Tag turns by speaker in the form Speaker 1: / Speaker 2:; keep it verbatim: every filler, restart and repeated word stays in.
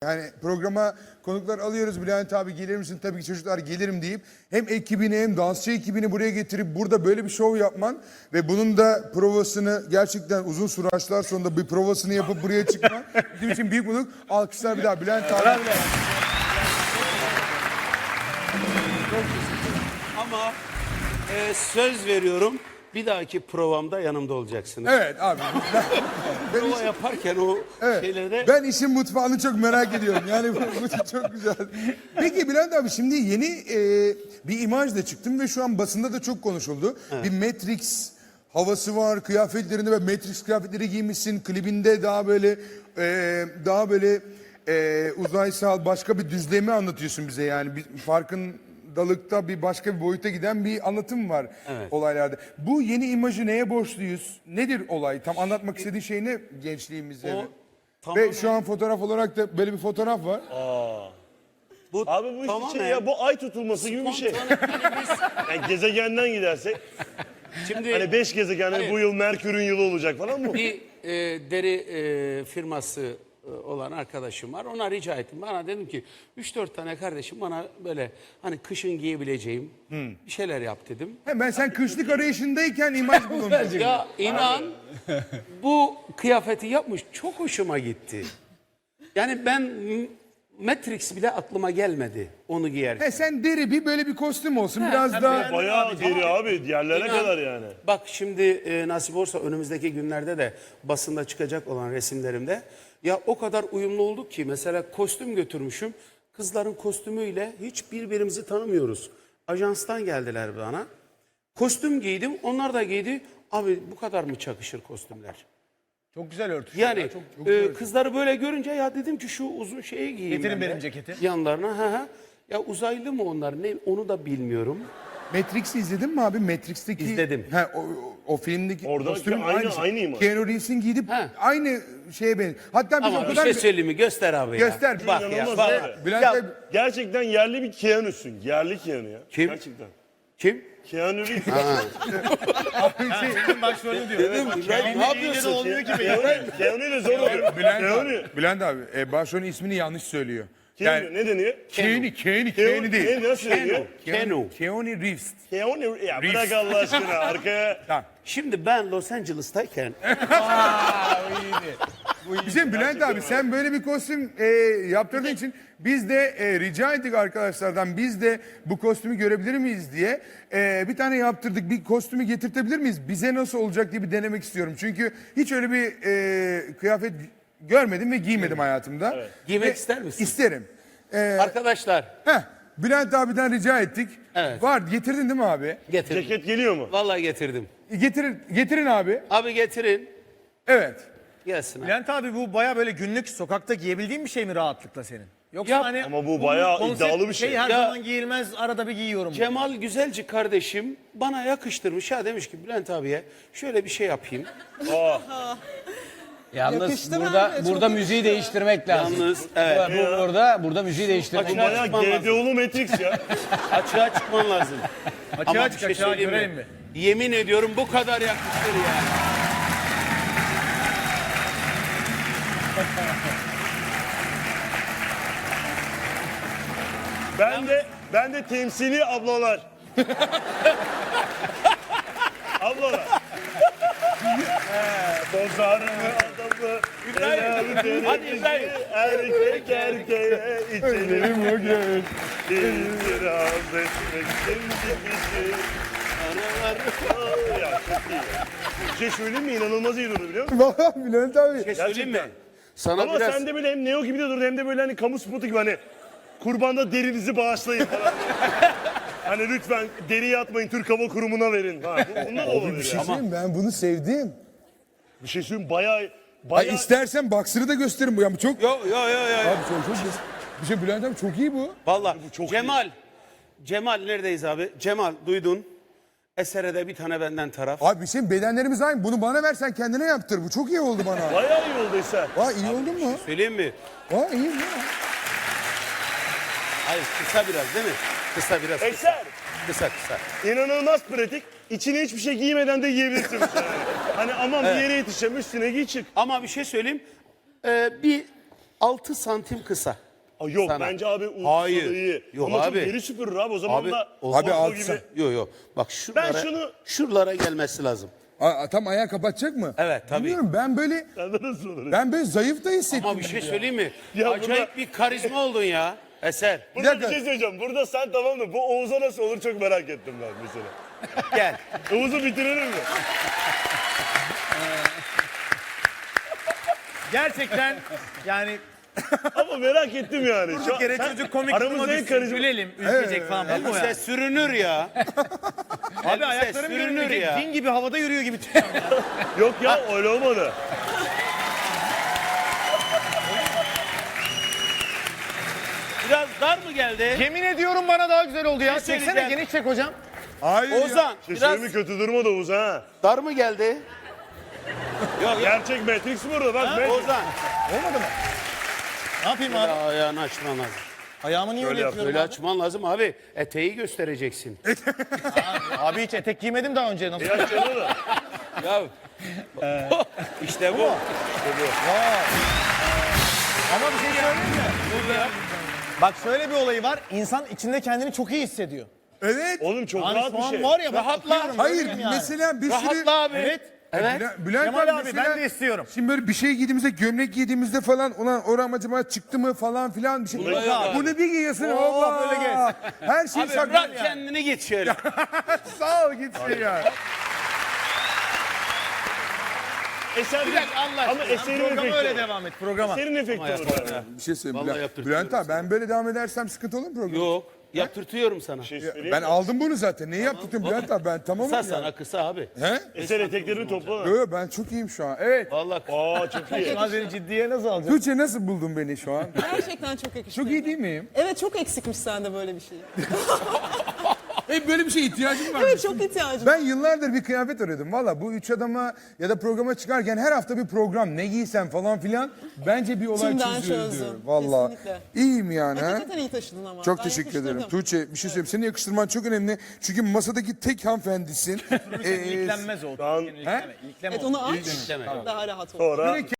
Speaker 1: Yani programa konuklar alıyoruz. Bülent abi gelir misin? Tabii ki çocuklar gelirim deyip hem ekibini hem dansçı ekibini buraya getirip burada böyle bir şov yapman ve bunun da provasını gerçekten uzun süreçler sonunda bir provasını yapıp buraya çıkman bizim için büyük mutluluk. Alkışlar bir daha Bülent abi.
Speaker 2: Ama e, söz veriyorum, bir dahaki provamda yanımda olacaksınız.
Speaker 1: Evet abi. Ben, ben,
Speaker 2: Prova
Speaker 1: iş-
Speaker 2: yaparken o
Speaker 1: evet,
Speaker 2: şeylerde...
Speaker 1: ben işin mutfağını çok merak ediyorum. Yani bu, bu çok güzel. Peki Bülent abi şimdi yeni e, bir imaj da çıktım ve şu an basında da çok konuşuldu. Evet. Bir Matrix havası var kıyafetlerinde ve Matrix kıyafetleri giymişsin. Klibinde daha böyle e, daha böyle e, uzaysal başka bir düzlemi anlatıyorsun bize yani. Bir farkın dalıkta bir başka bir boyuta giden bir anlatım var
Speaker 2: Evet.
Speaker 1: olaylarda. Bu yeni imajı neye borçluyuz? Nedir olay? Tam anlatmak istediğin şey ne gençliğimizde?
Speaker 2: O
Speaker 1: Ve
Speaker 2: tamamen-
Speaker 1: şu an fotoğraf olarak da böyle bir fotoğraf var.
Speaker 2: Bu
Speaker 3: Abi bu
Speaker 2: tamamen-
Speaker 3: işte ya bu ay tutulması gibi bir şey. Yani gezegenden gidersek
Speaker 2: Şimdi
Speaker 3: hani beş gezegen
Speaker 2: Hayır.
Speaker 3: bu yıl Merkür'ün yılı olacak falan mı?
Speaker 2: bir e, deri e, firması e, olan arkadaşım var. Ona rica ettim. Bana dedim ki üç dört tane kardeşim bana böyle hani kışın giyebileceğim bir şeyler yap dedim.
Speaker 1: Hemen sen kışlık arayışındayken imaj bulundun.
Speaker 2: Ya inan bu kıyafeti yapmış, çok hoşuma gitti. Yani ben m- Matrix bile aklıma gelmedi onu giyerken.
Speaker 1: He, sen deri bir böyle bir kostüm olsun biraz daha.
Speaker 3: Bayağı deri abi yerlere
Speaker 2: İnan,
Speaker 3: kadar yani.
Speaker 2: Bak şimdi e, nasip olursa önümüzdeki günlerde de basında çıkacak olan resimlerimde ya o kadar uyumlu olduk ki mesela kostüm götürmüşüm. Kızların kostümüyle hiç birbirimizi tanımıyoruz. Ajanstan geldiler bana. Kostüm giydim, onlar da giydi. Abi bu kadar mı çakışır kostümler?
Speaker 4: Çok güzel örtüşüyor.
Speaker 2: Yani e, kızları böyle görünce ya dedim ki şu uzun şeyi giyeyim.
Speaker 4: Getirin
Speaker 2: ben de.
Speaker 4: benim ceketi.
Speaker 2: Yanlarına. Ha, ha. Ya uzaylı mı onlar ne onu da bilmiyorum.
Speaker 1: Matrix'i izledin mi abi? Matrix'teki...
Speaker 2: İzledim.
Speaker 1: He, o, o filmdeki
Speaker 3: Orada
Speaker 1: kostümün
Speaker 3: aynı-
Speaker 1: aynısı.
Speaker 3: aynı imaj.
Speaker 1: Keanu Reeves'in giyip
Speaker 2: He.
Speaker 1: aynı şeye benziyor. Hatta biz
Speaker 2: Ama
Speaker 1: o
Speaker 2: bir
Speaker 1: kadar...
Speaker 2: şey söyleyeyim mi? Göster abi ya.
Speaker 1: Göster.
Speaker 2: Bak ya.
Speaker 3: İnanılmaz
Speaker 2: Bak.
Speaker 3: abi.
Speaker 1: Bülent
Speaker 2: Ya,
Speaker 1: Bey...
Speaker 3: Gerçekten yerli bir Keanu'sun. Yerli Keanu ya.
Speaker 2: Kim?
Speaker 3: Gerçekten.
Speaker 2: Kim?
Speaker 3: Keanu Reeves.
Speaker 4: Senin başrolü diyor.
Speaker 2: Dedim, ben ne yapıyorsun?
Speaker 4: Olmuyor ki
Speaker 3: Keanu, Keanu ile zor oluyor.
Speaker 1: Bülent
Speaker 3: Keanu.
Speaker 1: abi, Bülent abi e, başrolün ismini yanlış söylüyor.
Speaker 3: Keanu ne deniyor?
Speaker 1: Keanu, Keanu,
Speaker 3: Keanu
Speaker 1: Keanu değil.
Speaker 3: Ne nasıl deniyor?
Speaker 2: Keanu.
Speaker 1: Keanu Reeves.
Speaker 3: Keanu. Ya
Speaker 1: Reeves.
Speaker 3: bırak Allah aşkına arkaya.
Speaker 1: Tamam.
Speaker 2: Şimdi ben Los Angeles'tayken
Speaker 1: Bizim Bülent abi sen böyle bir kostüm e, yaptırdığın için biz de e, rica ettik arkadaşlardan biz de bu kostümü görebilir miyiz diye e, bir tane yaptırdık. Bir kostümü getirtebilir miyiz? Bize nasıl olacak diye bir denemek istiyorum. Çünkü hiç öyle bir e, kıyafet görmedim ve giymedim hayatımda.
Speaker 2: Giymek
Speaker 1: Ve
Speaker 2: ister misin?
Speaker 1: İsterim. E,
Speaker 2: arkadaşlar
Speaker 1: heh, Bülent abiden rica ettik.
Speaker 2: Evet.
Speaker 1: Var getirdin değil mi abi?
Speaker 2: getirdim.
Speaker 3: Ceket geliyor mu?
Speaker 2: Vallahi getirdim.
Speaker 1: Getirin, getirin abi.
Speaker 2: Abi getirin.
Speaker 1: Evet.
Speaker 2: Gelsin abi.
Speaker 4: Bülent abi bu baya böyle günlük sokakta giyebildiğin bir şey mi rahatlıkla senin? Yoksa
Speaker 2: Ya,
Speaker 4: hani
Speaker 3: ama bu
Speaker 4: bunun
Speaker 3: bayağı
Speaker 4: konsept
Speaker 3: iddialı bir şey.
Speaker 4: her
Speaker 2: Ya-
Speaker 4: zaman giyilmez arada bir giyiyorum.
Speaker 2: Cemal Güzelci kardeşim bana yakıştırmış. Ya demiş ki Bülent abiye şöyle bir şey yapayım.
Speaker 5: Yalnız burada burada müziği değiştirmek lazım.
Speaker 2: Yalnız evet.
Speaker 5: Bu, burada burada müziği değiştirmek
Speaker 3: Bu
Speaker 2: Açığa
Speaker 5: lazım.
Speaker 3: bayağı
Speaker 2: çıkman lazım.
Speaker 3: G D O'lu Matrix ya.
Speaker 2: Açığa çıkman lazım.
Speaker 4: Açığa
Speaker 2: Ama bir
Speaker 4: çık,
Speaker 2: şey
Speaker 4: açığa
Speaker 2: söyleyeyim
Speaker 4: görelim mi?
Speaker 2: Yemin ediyorum bu kadar yakıştır yani.
Speaker 3: Ben de ben de temsili ablalar. ablalar. Bozar mı adamı?
Speaker 2: İbrahim, hadi İbrahim.
Speaker 3: Erkek erkeğe içelim bugün. İtiraz etmek şimdi bizi. Ya çok iyi ya. Bir şey söyleyeyim mi? İnanılmaz iyi durdu biliyor musun?
Speaker 1: Vallahi Bülent abi.
Speaker 2: Bir şey söyleyeyim mi? Sana
Speaker 3: Ama
Speaker 2: biraz
Speaker 3: sen de böyle hem Neo gibi de durdu hem de böyle hani kamu spotu gibi hani kurbanda derinizi bağışlayın falan. Hani lütfen deriyi atmayın Türk Hava Kurumu'na verin. Ha, bu- bunlar da
Speaker 1: Bir
Speaker 3: olabilir
Speaker 1: şey
Speaker 3: ya.
Speaker 1: söyleyeyim mi? Ben bunu sevdim.
Speaker 3: Bir şey söyleyeyim bayağı
Speaker 1: Ay
Speaker 3: bayağı
Speaker 1: istersen boxer'ı da gösterin bu ya. Bu çok...
Speaker 2: Yo yo yo yo.
Speaker 1: Abi çok çok bir şey Bülent abi çok iyi bu.
Speaker 2: Vallahi
Speaker 3: çok
Speaker 2: Cemal. Cemal neredeyiz abi? Cemal duydun. Esere'de bir tane benden taraf.
Speaker 1: Abi bir şey bedenlerimiz aynı. Bunu bana versen kendine yaptır. Bu çok iyi oldu bana.
Speaker 3: bayağı iyi oldu Eser.
Speaker 1: Vay iyi oldu mu?
Speaker 2: Söyleyeyim mi?
Speaker 1: Vay iyi mi?
Speaker 2: Hayır kısa biraz değil mi? Kısa biraz. Kısa
Speaker 3: Eser
Speaker 2: kısa. kısa.
Speaker 3: inanılmaz pratik. İçine hiçbir şey giymeden de giyebilirsin. Yani. Hani aman bir yere yetişeceğim üstüne giy çık.
Speaker 2: Ama bir şey söyleyeyim. Ee, bir altı santim kısa.
Speaker 3: Aa, yok
Speaker 2: Sana.
Speaker 3: bence abi uzun
Speaker 2: Hayır.
Speaker 3: da iyi.
Speaker 2: Yok
Speaker 3: Ama
Speaker 2: abi.
Speaker 3: çok deri süpürür abi o zaman
Speaker 2: Abi,
Speaker 3: da.
Speaker 2: o-
Speaker 1: Abi
Speaker 3: Volvo
Speaker 1: altı
Speaker 3: gibi.
Speaker 1: santim.
Speaker 2: Yok yok. Bak şuralara,
Speaker 3: şunu-
Speaker 2: şuralara gelmesi lazım.
Speaker 1: Aa, tam ayağı kapatacak mı?
Speaker 2: Evet, tabii.
Speaker 1: Bilmiyorum ben böyle
Speaker 3: Sende nasıl olur?
Speaker 1: ben böyle zayıf da hissettim.
Speaker 2: Ama bir şey söyleyeyim mi?
Speaker 3: Ya
Speaker 2: Acayip
Speaker 3: burada-
Speaker 2: bir karizma oldun ya. Eser.
Speaker 3: Burada bir,
Speaker 1: dakika.
Speaker 3: şey söyleyeceğim. Burada sen tamam da bu Oğuz'a nasıl olur çok merak ettim ben mesela.
Speaker 2: Gel.
Speaker 3: Oğuz'u bitirelim mi?
Speaker 4: Gerçekten yani
Speaker 3: Ama merak ettim yani. Şu
Speaker 4: bir
Speaker 3: an-
Speaker 4: kere
Speaker 3: sen-
Speaker 4: çocuk komik
Speaker 3: aramızda
Speaker 4: duruma
Speaker 3: en
Speaker 4: düşsün,
Speaker 3: karizma.
Speaker 4: gülelim, ülkecek falan. Bu mu
Speaker 2: Elbise
Speaker 4: yani?
Speaker 2: sürünür ya.
Speaker 4: Abi
Speaker 2: Elbise
Speaker 4: ayaklarım
Speaker 2: sürünür
Speaker 4: görünmeyecek.
Speaker 2: ya.
Speaker 4: Din gibi havada yürüyor gibi.
Speaker 3: Yok ya öyle olmadı.
Speaker 2: Biraz dar mı geldi?
Speaker 4: Yemin ediyorum bana daha güzel oldu ya.
Speaker 2: Bir şey
Speaker 4: Çeksene
Speaker 2: söyleyeceğim.
Speaker 4: geniş çek hocam.
Speaker 1: Hayır ya.
Speaker 2: Ozan
Speaker 3: Şey
Speaker 2: biraz
Speaker 3: söyleyeyim mi, kötü durma da Oğuz ha.
Speaker 2: dar mı geldi? Yok yok.
Speaker 3: Gerçek Matrix burada bak. Matrix.
Speaker 2: Ozan.
Speaker 4: Ne yapayım
Speaker 2: Böyle
Speaker 4: abi?
Speaker 2: ayağını açman lazım.
Speaker 4: Ayağımı niye öyle
Speaker 3: yap,
Speaker 4: yapıyorum
Speaker 2: Böyle
Speaker 4: abi?
Speaker 2: açman lazım abi. Eteği göstereceksin.
Speaker 4: Abi hiç etek giymedim daha önce. Nasıl?
Speaker 3: Ya canım da.
Speaker 2: ya. işte bu.
Speaker 4: Ama bir şey söyleyeyim mi? Bak şöyle bir olayı var. İnsan içinde kendini çok iyi hissediyor.
Speaker 1: Evet.
Speaker 3: Oğlum çok
Speaker 4: Yani
Speaker 3: rahat
Speaker 4: şu
Speaker 3: bir
Speaker 4: an
Speaker 3: şey.
Speaker 4: var ya ben
Speaker 2: Rahatla.
Speaker 4: bakıyorum,
Speaker 1: Hayır
Speaker 4: görüyorum yani.
Speaker 1: mesela bir sürü...
Speaker 2: Rahatla abi.
Speaker 4: Evet.
Speaker 2: Evet.
Speaker 1: Bülent, Bülent
Speaker 4: Kemal
Speaker 1: abi,
Speaker 4: abi,
Speaker 1: mesela,
Speaker 4: ben de istiyorum.
Speaker 1: Şimdi böyle bir şey giydiğimizde, gömlek giydiğimizde falan ulan oram acaba çıktı mı falan filan bir şey.
Speaker 2: Yok abi.
Speaker 1: Bunu bir giyiyorsun.
Speaker 4: Oo,
Speaker 1: hoppa.
Speaker 4: böyle gez.
Speaker 1: Her şey
Speaker 2: Abi
Speaker 1: saklı.
Speaker 2: bırak kendini git şöyle.
Speaker 1: Sağ ol gitsin ya.
Speaker 3: Eser
Speaker 2: Bir dakika Allah
Speaker 3: Ama
Speaker 2: aşkına.
Speaker 3: eserin
Speaker 4: Programa
Speaker 3: efekti
Speaker 4: öyle
Speaker 3: olur.
Speaker 4: devam et programa.
Speaker 3: Eserin efekti olur. yani.
Speaker 1: Bir şey söyleyeyim.
Speaker 2: Vallahi
Speaker 1: Bülent,
Speaker 2: yaptırtıyorum
Speaker 1: Bülent abi ben böyle devam edersem sıkıntı olur mu program?
Speaker 2: Yok. Yaptırtıyorum sana.
Speaker 3: Bir şey söyleyeyim
Speaker 1: Ben
Speaker 3: mi?
Speaker 1: aldım bunu zaten. Neyi yaptın Bülent abi? Ben tamamım
Speaker 2: Kısa
Speaker 1: ya.
Speaker 2: sana kısa abi.
Speaker 1: He?
Speaker 3: Eser eteklerini topla.
Speaker 1: Yo, yo, ben çok iyiyim şu an. Evet.
Speaker 2: Vallahi kısa.
Speaker 3: Aa çok iyi.
Speaker 4: Lan seni ciddiye nasıl alacaksın?
Speaker 1: Tuğçe nasıl buldun beni şu an?
Speaker 6: Gerçekten çok yakışıklı.
Speaker 1: Çok iyi değil miyim?
Speaker 6: Evet çok eksikmiş sende böyle bir şey.
Speaker 1: Hey, böyle bir şeye ihtiyacım var.
Speaker 6: Evet çok ihtiyacım.
Speaker 1: Ben yıllardır bir kıyafet arıyordum. Valla bu üç adama ya da programa çıkarken her hafta bir program. Ne giysem falan filan. Bence bir olay
Speaker 6: İçimden
Speaker 1: çözüyoruz
Speaker 6: çözdüm.
Speaker 1: diyorum. Valla.
Speaker 6: Kesinlikle.
Speaker 1: İyiyim yani. ha?
Speaker 6: Hakikaten iyi taşıdın ama.
Speaker 1: Çok
Speaker 6: Ben
Speaker 1: teşekkür
Speaker 6: yakıştırdım.
Speaker 1: ederim. Tuğçe bir şey söyleyeyim. Seni yakıştırman çok önemli. Çünkü masadaki tek hanımefendisin. Ee,
Speaker 4: İlklenmez o.
Speaker 3: Lan-
Speaker 4: İlkleme, ilkleme
Speaker 6: Evet
Speaker 4: o.
Speaker 6: onu aç.
Speaker 2: İşleme.
Speaker 6: Daha rahat ol.
Speaker 3: Sonra